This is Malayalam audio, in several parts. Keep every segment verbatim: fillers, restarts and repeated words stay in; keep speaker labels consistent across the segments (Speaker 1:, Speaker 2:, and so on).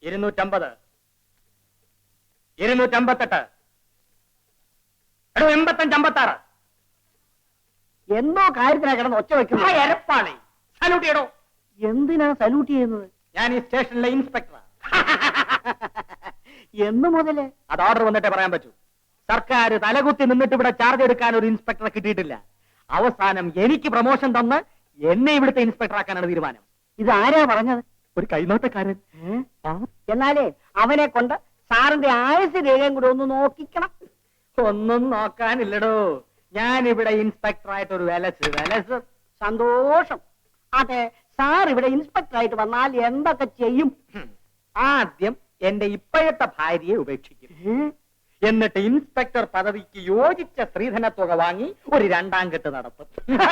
Speaker 1: ഇരുന്നൂറ്റമ്പത്, ഇരുന്നൂറ്റമ്പത്തെട്ട്, എടോ എൺപത്തഞ്ച്, അമ്പത്താറ്.
Speaker 2: എന്തോ കാര്യത്തിനാ കിടന്ന് ഒച്ച വെക്കുന്നു.
Speaker 1: എരപ്പാളി, സല്യൂട്ട് ചെയ്യടോ.
Speaker 2: എന്തിനാ സല്യൂട്ട് ചെയ്യുന്നത്?
Speaker 1: ഞാൻ ഈ സ്റ്റേഷനിലെ ഇൻസ്പെക്ടറാ.
Speaker 2: എന്ന് മുതല്?
Speaker 1: അത് ഓർഡർ വന്നിട്ടേ പറയാൻ പറ്റൂ. സർക്കാർ തലകുത്തി നിന്നിട്ട് ഇവിടെ ചാർജ് എടുക്കാൻ ഒരു ഇൻസ്പെക്ടറെ കിട്ടിയിട്ടില്ല. അവസാനം എനിക്ക് പ്രമോഷൻ തന്ന് എന്നെ ഇവിടുത്തെ ഇൻസ്പെക്ടർ ആക്കാനാണ് തീരുമാനം.
Speaker 2: ഇത് ആരാ പറഞ്ഞത്?
Speaker 1: ഒരു കൈനോട്ടക്കാരൻ.
Speaker 2: എന്നാലേ അവനെ കൊണ്ട് സാറിന്റെ ആയുസ് രേഖയും കൂടെ ഒന്ന് നോക്കിക്കണം.
Speaker 1: ഒന്നും നോക്കാനില്ലടോ, ഞാൻ ഇവിടെ ഇൻസ്പെക്ടറായിട്ട് ഒരു വിലസ് വിലസ്.
Speaker 2: സന്തോഷം. അതെ, സാർ ഇവിടെ ഇൻസ്പെക്ടർ ആയിട്ട് വന്നാൽ എന്തൊക്കെ ചെയ്യും?
Speaker 1: ആദ്യം എന്റെ ഇപ്പോഴത്തെ ഭാര്യയെ ഉപേക്ഷിക്കും. എന്നിട്ട് ഇൻസ്പെക്ടർ പദവിക്ക് യോജിച്ച സ്ത്രീധന തുക വാങ്ങി ഒരു രണ്ടാം കെട്ട് നടത്തും.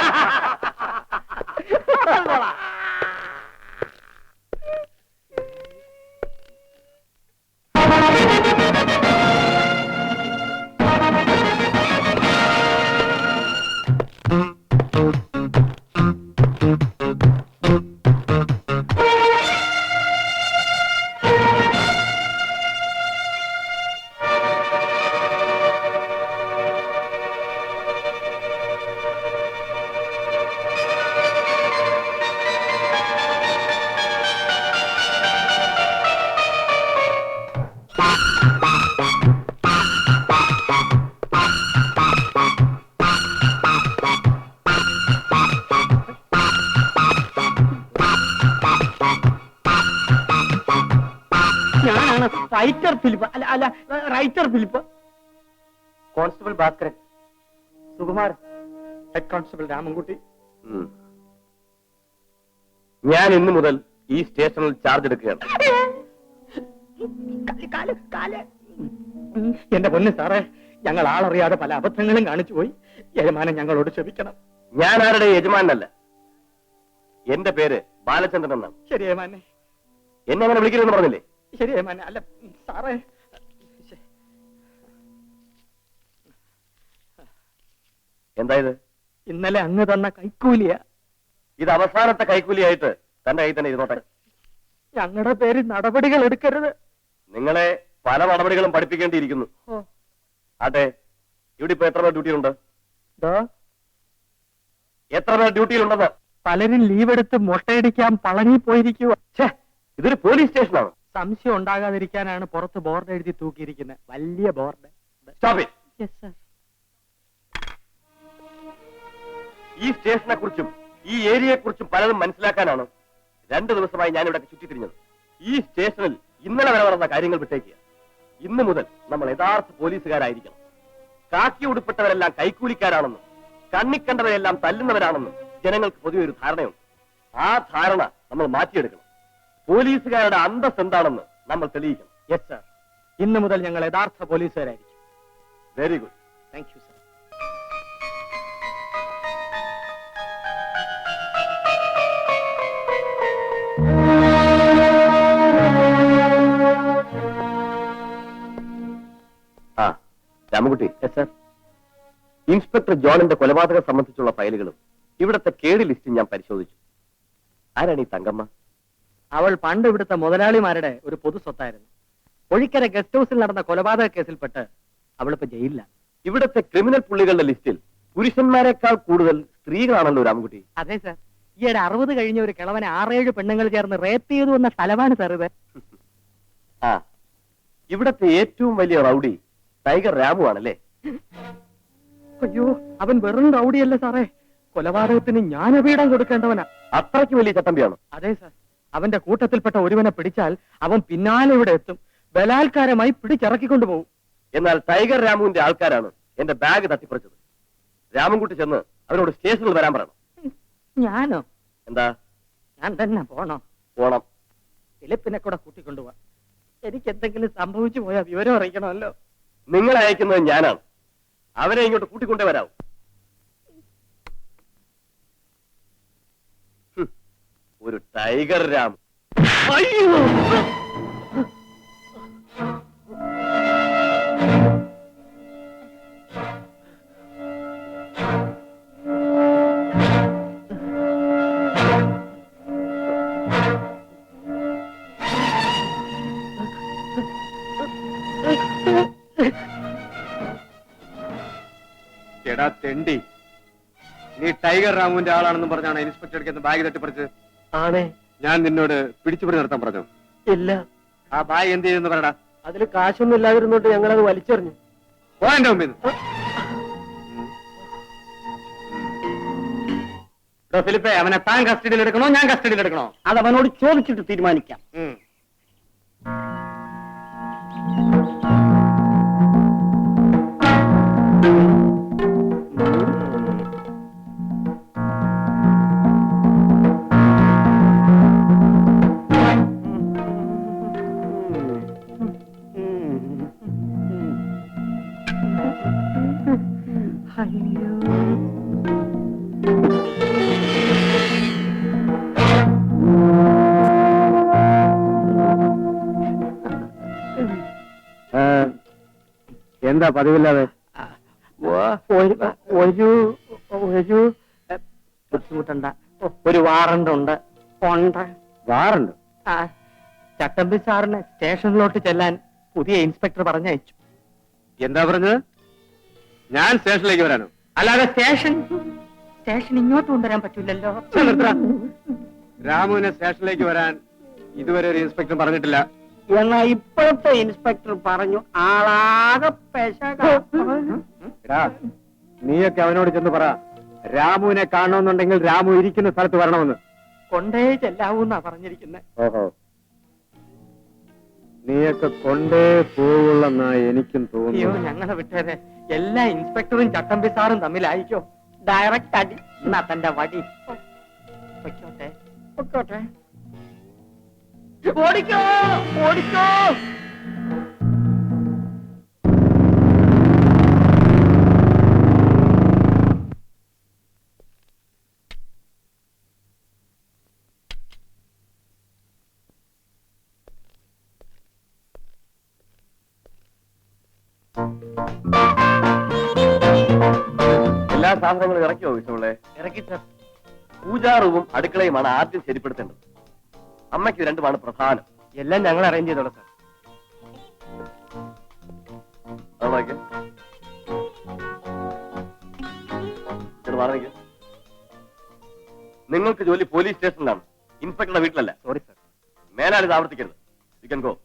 Speaker 1: റൈറ്റർ ഫിലിപ്പ് അല്ല അല്ല writer Philip. Constable Bhaskaran. Sukumar. Head constable Ramankutty.
Speaker 3: ഞാൻ ഇന്നു മുതൽ ഈ സ്റ്റേഷനിൽ ചാർജ് എടുക്കുകയാണ്.
Speaker 1: എന്റെ പൊന്ന് സാറേ, ഞങ്ങൾ ആളറിയാതെ പല അബദ്ധങ്ങളും കാണിച്ചു പോയി. യജമാനൻ ഞങ്ങളോട് ക്ഷമിക്കണം.
Speaker 3: ഞാൻ ആരുടെ യജമാനല്ല. എന്റെ പേര് ബാലചന്ദ്രൻ എന്നാണ്.
Speaker 1: ശരി യജമാനെ.
Speaker 3: എന്നെ അങ്ങനെ വിളിക്കരുതെന്ന് പറഞ്ഞില്ലേ?
Speaker 1: ശരി യജമാനെ. അല്ല സാറേ,
Speaker 3: എന്തായത്?
Speaker 1: ഇന്നലെ അങ്ങ് തന്ന കൈക്കൂലിയ.
Speaker 3: ഇത് അവസാനത്തെ കൈക്കൂലിയായിട്ട് തന്റെ കൈ തന്നെ ഇരുന്നോട്ടെ.
Speaker 1: ഞങ്ങളുടെ പേര് നടപടികൾ എടുക്കരുത്.
Speaker 3: നിങ്ങളെ പല നടപടികളും പഠിപ്പിക്കേണ്ടിയിരിക്കുന്നു. അതെ, ഇവിടെ ഇപ്പൊ എത്ര പേർ ഡ്യൂട്ടിയിലുണ്ട്? എത്ര പേർ ഡ്യൂട്ടിയിലുണ്ടെന്ന്?
Speaker 1: പലരും ലീവ് എടുത്ത് മുട്ടയടിക്കാൻ പളനി പോയിരിക്കുക.
Speaker 3: ഇതൊരു പോലീസ് സ്റ്റേഷനാണ്.
Speaker 1: സംശയം ഉണ്ടാകാതിരിക്കാനാണ് പുറത്ത് ബോർഡ് എഴുതി തൂക്കിയിരിക്കുന്നത്. വലിയ ബോർഡ്.
Speaker 3: ഈ സ്റ്റേഷനെ കുറിച്ചും ഈ ഏരിയയെ കുറിച്ചും പലതും മനസ്സിലാക്കാനാണ് രണ്ടു ദിവസമായി ഞാൻ ഇവിടെ ചുറ്റിത്തിരിഞ്ഞത്. ഈ സ്റ്റേഷനിൽ ഇന്നലെ വരെ നടന്ന കാര്യങ്ങൾ വിട്ടേക്കുക. ഇന്നു മുതൽ നമ്മൾ യഥാർത്ഥ പോലീസുകാരായിരിക്കണം. കാക്കി ഉടുപ്പെട്ടവരെല്ലാം കൈക്കൂലിക്കാരാണെന്നും കണ്ണിക്കണ്ടവരെല്ലാം തല്ലുന്നവരാണെന്നും ജനങ്ങൾക്ക് പൊതുവെ ഒരു ധാരണയുണ്ട്. ആ ധാരണ നമ്മൾ മാറ്റിയെടുക്കണം. പോലീസുകാരുടെ അന്തസ് എന്താണെന്ന് നമ്മൾ തെളിയിക്കണം.
Speaker 1: Yes sir. ഇന്നു മുതൽ ഞങ്ങൾ യഥാർത്ഥ പോലീസുകാരായിരിക്കും.
Speaker 3: Very good.
Speaker 1: Thank you sir.
Speaker 3: ആ രാമൻകുട്ടി. Yes sir. ഇൻസ്പെക്ടർ ജോണിന്റെ കൊലപാതകം സംബന്ധിച്ചുള്ള ഫയലുകളും ഇവിടുത്തെ കേടി ലിസ്റ്റും ഞാൻ പരിശോധിച്ചു. ആരാണ് ഈ തങ്കമ്മ?
Speaker 1: അവൾ പണ്ട് ഇവിടുത്തെ മുതലാളിമാരുടെ ഒരു പൊതു സ്വത്തായിരുന്നു. ഒഴിക്കര ഗസ്റ്റ് ഹൗസിൽ നടന്ന കൊലപാതക കേസിൽപ്പെട്ട് അവളിപ്പോ ജയിലിലാണ്.
Speaker 3: ഇവിടുത്തെ ക്രിമിനൽ പുള്ളികളുടെ ലിസ്റ്റിൽ പുരുഷന്മാരെക്കാൾ കൂടുതൽ സ്ത്രീകളാണല്ലോ രാമൻകുട്ടി.
Speaker 1: അതെ സാർ. ഈയിടെ അറുപത് കഴിഞ്ഞ ഒരു കിളവനെ ആറേഴ് പെണ്ണുങ്ങൾ ചേർന്ന് റേപ്പ് ചെയ്തു എന്ന സ്ഥലമാണ് സാർ ഇത്.
Speaker 3: ആ, ഇവിടത്തെ ഏറ്റവും വലിയ റൗഡി ടൈഗർ രാമു ആണല്ലേ?
Speaker 1: അയ്യോ, അവൻ വെറും റൗഡിയല്ല സാറേ, കൊലപാതകത്തിന് ജ്ഞാനപീഠം കൊടുക്കേണ്ടവനാ.
Speaker 3: അത്രയ്ക്ക് വലിയ ചട്ടമ്പിയാണോ?
Speaker 1: അതെ സാർ. അവന്റെ കൂട്ടത്തിൽപ്പെട്ട ഒരുവനെ പിടിച്ചാൽ അവൻ പിന്നാലെ ഇവിടെ എത്തും, ബലാത്കാരമായി പിടിച്ചിറക്കിക്കൊണ്ടുപോകും.
Speaker 3: എന്നാൽ ടൈഗർ രാമുവിന്റെ ആൾക്കാരാണ് എന്റെ ബാഗ് തട്ടിപ്പറിച്ചത്. രാമൻകുട്ടി ചെന്ന് അവരോട് സ്റ്റേഷനിൽ വരാൻ പറയണം.
Speaker 1: ഞാനോ?
Speaker 3: എന്താ?
Speaker 1: ഞാൻ തന്നെ പോണോ?
Speaker 3: പോണം.
Speaker 1: ഫിലിപ്പിനെ കൂടെ കൂട്ടിക്കൊണ്ടുപോവാ. എനിക്ക് എന്തെങ്കിലും സംഭവിച്ചു പോയാൽ വിവരം അറിയിക്കണമല്ലോ.
Speaker 3: നിങ്ങളെ അയക്കുന്നത് ഞാനാണ്. അവരെ ഇങ്ങോട്ട് കൂട്ടിക്കൊണ്ടേ വരാവൂ. ഒരു ടൈഗർ രാം.
Speaker 1: അയ്യോ,
Speaker 4: ടൈഗർ രാമുവിന്റെ ആളാണെന്നും പറഞ്ഞാണ് ഇൻസ്പെക്ടർ എടുക്കുന്ന ബാഗ് തട്ടിപ്പറിച്ച്.
Speaker 3: ആണേ.
Speaker 4: ഞാൻ നിന്നോട് പിടിച്ചുപിടി നടത്താൻ പറഞ്ഞു.
Speaker 3: ഇല്ല.
Speaker 4: ആ ബാഗ് എന്ത് ചെയ്യുന്നു പറയടാ.
Speaker 3: അതിൽ കാശൊന്നും ഇല്ലാതിരുന്നോട്ട് ഞങ്ങളത് വലിച്ചെറിഞ്ഞു.
Speaker 4: പോ എന്റെ മുമ്പിൽ നിന്ന്.
Speaker 1: ഫിലിപ്പേ, അവനെ താൻ കസ്റ്റഡിയിൽ എടുക്കണോ ഞാൻ കസ്റ്റഡിയിൽ എടുക്കണോ?
Speaker 2: അത് അവനോട് ചോദിച്ചിട്ട് തീരുമാനിക്കാം.
Speaker 1: ഉം.
Speaker 4: എന്താ പതിവില്ലാതെ?
Speaker 2: ഒരു ഒരു ഒരു ബുദ്ധിമുട്ടണ്ട.
Speaker 1: ഒരു വാറണ്ട് ഉണ്ട്.
Speaker 2: ഉണ്ട്.
Speaker 4: വാറുണ്ട്?
Speaker 2: ആ,
Speaker 1: ചട്ടമ്പി സാറിനെ സ്റ്റേഷനിലോട്ട് ചെല്ലാൻ പുതിയ ഇൻസ്പെക്ടർ പറഞ്ഞയച്ചു.
Speaker 4: എന്താ പറഞ്ഞത്? ഞാൻ സ്റ്റേഷനിലേക്ക് വരാനോ?
Speaker 1: അല്ലാതെ സ്റ്റേഷൻ സ്റ്റേഷൻ ഇങ്ങോട്ട് കൊണ്ടുവരാൻ പറ്റില്ലല്ലോ.
Speaker 4: രാമുവിനെ സ്റ്റേഷനിലേക്ക് വരാൻ ഇതുവരെ ഒരു ഇൻസ്പെക്ടർ പറഞ്ഞിട്ടില്ല.
Speaker 2: എന്നാ ഇപ്പോഴത്തെ ഇൻസ്പെക്ടർ പറഞ്ഞു ആളാകെ പെശക.
Speaker 4: എടാ, നീയൊക്കെ അവനോട് ചെന്ന് പറ, രാമുവിനെ കാണണമെന്നുണ്ടെങ്കിൽ രാമു ഇരിക്കുന്ന സ്ഥലത്ത് വരണമെന്ന്.
Speaker 1: കൊണ്ടേ ചെല്ലാവൂന്നാ പറഞ്ഞിരിക്കുന്നത്.
Speaker 4: ഓഹോ, നീയൊക്കെ കൊണ്ടേ പോവുള്ളെന്നാ എനിക്കും
Speaker 1: അയ്യോ,
Speaker 4: തോന്നുന്നു.
Speaker 1: ഞങ്ങളെ വിട്ടേരെ. എല്ലാ ഇൻസ്പെക്ടറും ചട്ടമ്പി സാറും തമ്മിലായിക്കോ.
Speaker 2: ഡയറക്റ്റ് അടി.
Speaker 1: എന്നാ തന്റെ വടി വെക്കോട്ടെ.
Speaker 2: പൊക്കോട്ടെ.
Speaker 1: ഓടിക്കോ ഓടിക്കോ.
Speaker 3: എല്ലാ സാധനങ്ങളും ഇറക്കിയോ വിഷമുള്ളേ?
Speaker 1: ഇറക്കി സാർ.
Speaker 3: പൂജാറുവും അടുക്കളയുമാണ് ആദ്യം ശരിപ്പെടുത്തേണ്ടത്. അമ്മയ്ക്ക് രണ്ടുമാണ് പ്രധാനം.
Speaker 1: എല്ലാം ഞങ്ങൾ അറേഞ്ച് ചെയ്തോളാം സാർ.
Speaker 3: അതൊക്കെ പറഞ്ഞ നിങ്ങൾക്ക് ജോലി പോലീസ് സ്റ്റേഷനിലാണ്, ഇൻസ്പെക്ടറുടെ വീട്ടിലല്ല.
Speaker 1: Sorry sir.
Speaker 3: മേലാൽ ഇത് ആവർത്തിക്കരുത്. You can go.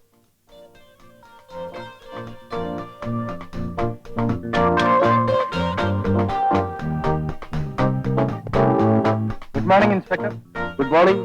Speaker 4: Good morning inspector.
Speaker 3: Good morning.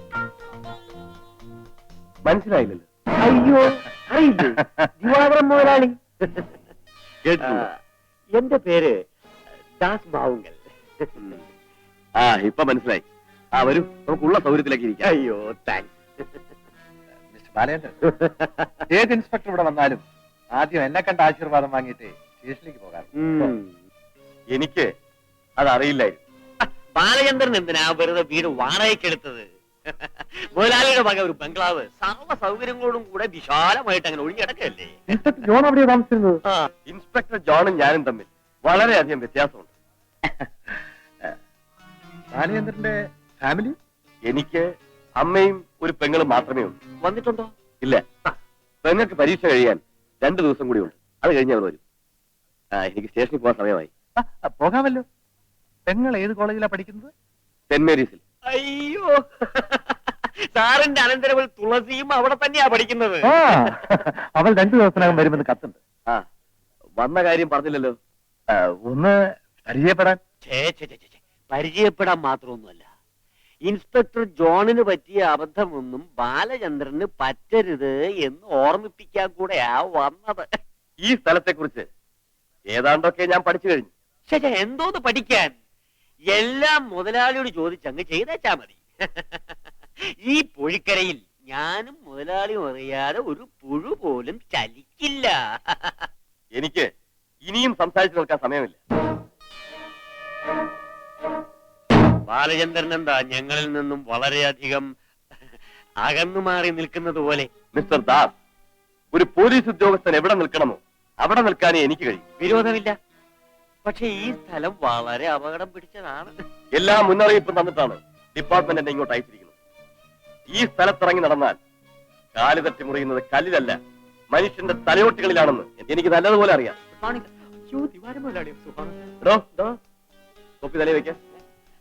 Speaker 3: മനസ്സിലായില്ലല്ലോ.
Speaker 2: അയ്യോ, അറിയില്ലേ ദിവാകരൻ മുതലാളി?
Speaker 3: കേട്ടില്ല.
Speaker 2: എന്റെ പേര് ദാസ് ബാവുങ്കൽ.
Speaker 3: ആ, ഇപ്പൊ മനസ്സിലായി. ആ, വരൂ, നമുക്കുള്ള സൗകര്യത്തിലേക്ക് ഇരിക്കാം.
Speaker 2: അയ്യോ, താങ്ക്സ്.
Speaker 4: മിസ്റ്റർ ബാലേന്ദ്രൻ, ഏത് ഇൻസ്പെക്ടർ ഇവിടെ വന്നാലും ആദ്യം എന്നെ കണ്ട ആശീർവാദം വാങ്ങിയിട്ട് സ്റ്റേഷനിലേക്ക് പോകാം.
Speaker 3: എനിക്ക് അതറിയില്ലായിരുന്നു.
Speaker 5: ബാലചന്ദ്രൻ എന്തിനാ വെറുതെ വീട് വാടകയ്ക്കെടുത്തത്? മുതലാളിയുടെ വക ഒരു ബംഗ്ലാവ് സർവ്വ സൗകര്യങ്ങളോടും കൂടെ വിശാലമായിട്ട് അങ്ങനെ ഒഴിഞ്ഞിടക്കല്ലേ.
Speaker 4: ജോൺ അവിടെ താമസിച്ചിരുന്നത്?
Speaker 3: ഇൻസ്പെക്ടർ ജോണും ഞാനും തമ്മിൽ വളരെയധികം വ്യത്യാസമുണ്ട്.
Speaker 4: ബാലചന്ദ്രന്റെ ഫാമിലി?
Speaker 3: എനിക്ക് അമ്മയും ഒരു പെങ്ങളും മാത്രമേ ഉള്ളൂ.
Speaker 5: വന്നിട്ടുണ്ടോ?
Speaker 3: ഇല്ല. പെങ്ങൾക്ക് പരീക്ഷ കഴിയാൻ രണ്ടു ദിവസം കൂടി ഉണ്ട്. അത് കഴിഞ്ഞ് അവർ വരും. ആ, എനിക്ക് സ്റ്റേഷനിൽ പോകാൻ സമയമായി.
Speaker 4: പോകാമല്ലോ. പെങ്ങൾ ഏത് കോളേജിലാ പഠിക്കുന്നത്?
Speaker 3: സെന്റ് മേരീസിൽ.
Speaker 5: അയ്യോ, സാറിന്റെ അനന്തരവൾ തുളസിയും അവിടെ തന്നെയാ പഠിക്കുന്നത്.
Speaker 4: അവൾ രണ്ടു ദിവസത്തിനകം വരുമെന്ന് കത്തുണ്ട്.
Speaker 3: ആ, വന്ന കാര്യം പറഞ്ഞില്ലല്ലോ.
Speaker 4: ഒന്ന് പരിചയപ്പെടാൻ.
Speaker 5: ഛേ, ഛേ, ഛേ, ഛേ, പരിചയപ്പെടാൻ മാത്രമൊന്നുമല്ല. ഇൻസ്പെക്ടർ ജോണിന് പറ്റിയ അബദ്ധമൊന്നും ബാലചന്ദ്രന് പറ്റരുത് എന്ന് ഓർമ്മിപ്പിക്കാൻ കൂടെയാ വന്നത്.
Speaker 3: ഈ സ്ഥലത്തെ കുറിച്ച് ഏതാണ്ടൊക്കെ ഞാൻ പഠിച്ചു കഴിഞ്ഞു.
Speaker 5: ശേ, എന്തോന്ന് പഠിക്കാൻ? എല്ലാം മുതലാളിയോട് ചോദിച്ചങ്ങ് ചെയ്തേച്ചാ മതി. ഈ പൊഴിക്കരയിൽ ഞാനും മുതലാളിയും അറിയാതെ ഒരു പുഴു പോലും ചലിക്കില്ല.
Speaker 3: എനിക്ക് ഇനിയും സംസാരിച്ചു നിൽക്കാൻ സമയമില്ല.
Speaker 5: ബാലചന്ദ്രൻ എന്താ ഞങ്ങളിൽ നിന്നും വളരെയധികം അകന്നു മാറി നിൽക്കുന്നത് പോലെ?
Speaker 3: മിസ്റ്റർ ദാസ്, ഒരു പോലീസ് ഉദ്യോഗസ്ഥൻ എവിടെ നിൽക്കണമോ അവിടെ നിൽക്കാനേ എനിക്ക് കഴിയും.
Speaker 5: വിരോധമില്ല, പക്ഷെ ഈ സ്ഥലം വളരെ അപകടം പിടിച്ചതാണ്.
Speaker 3: എല്ലാ മുന്നറിയിപ്പും തന്നിട്ടാണ് ഡിപ്പാർട്ട്മെന്റ് എന്നെ ഇങ്ങോട്ട് അയച്ചിരിക്കുന്നത്. ഈ സ്ഥലത്തിറങ്ങി നടന്നാൽ കാല് തട്ടി മുറിയുന്നത് കല്ലിലല്ല, മനുഷ്യന്റെ തലയോട്ടികളിലാണെന്ന് എനിക്ക് നല്ലതുപോലെ അറിയാം.
Speaker 1: അയ്യോ, ദിവാരം മുതലാളി. സുഖമാണ്.
Speaker 3: എടോ, തൊപ്പി തലയിൽ വെക്കാൻ.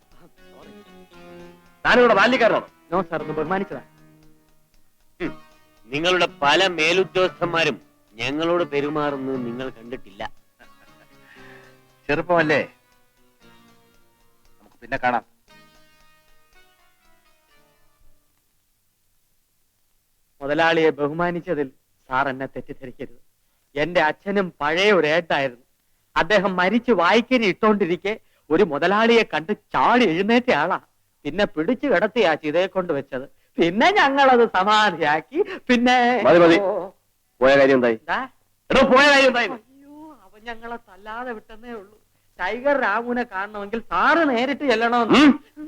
Speaker 3: താനിവിടെ ബാല്യക്കാരനാണോ?
Speaker 1: നോ സാർ, ഒന്ന് ബഹുമാനിച്ചതാ.
Speaker 5: ഹും. നിങ്ങളുടെ പല മേലുദ്യോഗസ്ഥന്മാരും ഞങ്ങളോട് പെരുമാറുന്നത് നിങ്ങൾ കണ്ടിട്ടില്ല.
Speaker 4: ചെറുപ്പമല്ലേ, നമുക്ക് പിന്നെ കാണാം.
Speaker 1: മുതലാളിയെ ബഹുമാനിച്ചതിൽ സാർ എന്നെ തെറ്റിദ്ധരിക്കരുത്. എന്റെ അച്ഛനും പഴയ ഒരു ഏട്ടായിരുന്നു. അദ്ദേഹം മരിച്ചു വായിക്കരി ഇട്ടോണ്ടിരിക്കെ ഒരു മുതലാളിയെ കണ്ട് ചാടി എഴുന്നേറ്റ ആളാ. പിന്നെ പിടിച്ചു കിടത്തിയാ ചിതയെ കൊണ്ട് വെച്ചത്. പിന്നെ ഞങ്ങളത് സമാധിയാക്കി. പിന്നെ
Speaker 3: മതി, മതി.
Speaker 1: ഓ,
Speaker 3: പോയ കാര്യം എന്തായി?
Speaker 1: എന്താ?
Speaker 3: എടോ, പോയ കാര്യം എന്തായി?
Speaker 1: അയ്യോ, അവൻ ഞങ്ങളെ തല്ലാതെ വിട്ടെന്നേ ഉള്ളൂ. ടൈഗർ രാമുവിനെ കാണണമെങ്കിൽ സാറ് നേരിട്ട് ചെല്ലണമെന്ന്.
Speaker 3: ഉം.